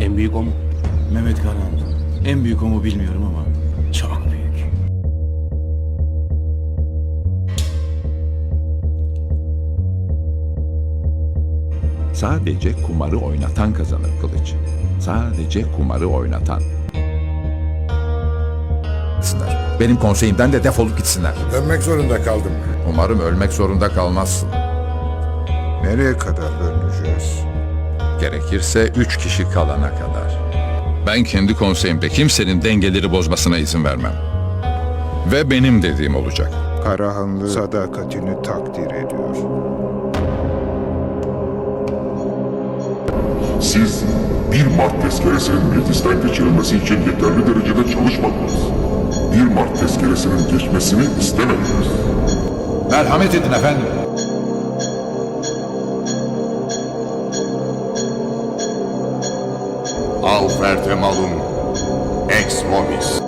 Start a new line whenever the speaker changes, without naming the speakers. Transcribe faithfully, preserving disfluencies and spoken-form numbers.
En büyük o mu?
Mehmet Karan. En büyük o mu bilmiyorum ama çok büyük.
Sadece kumarı oynatan kazanır Kılıç. Sadece kumarı oynatan.
Benim konseyimden de defolup gitsinler.
Dönmek zorunda kaldım.
Umarım ölmek zorunda kalmazsın.
Nereye kadar döneceğiz?
Gerekirse üç kişi kalana kadar. Ben kendi konseyimde kimsenin dengeleri bozmasına izin vermem. Ve benim dediğim olacak.
Karahanlı sadakatini takdir ediyor.
Siz bir Mart tezkeresinin meclisten geçirilmesi için yeterli derecede çalışmadınız. Bir Mart tezkeresinin geçmesini istemediniz.
Merhamet edin efendim.
Alferte malum, ex vobis.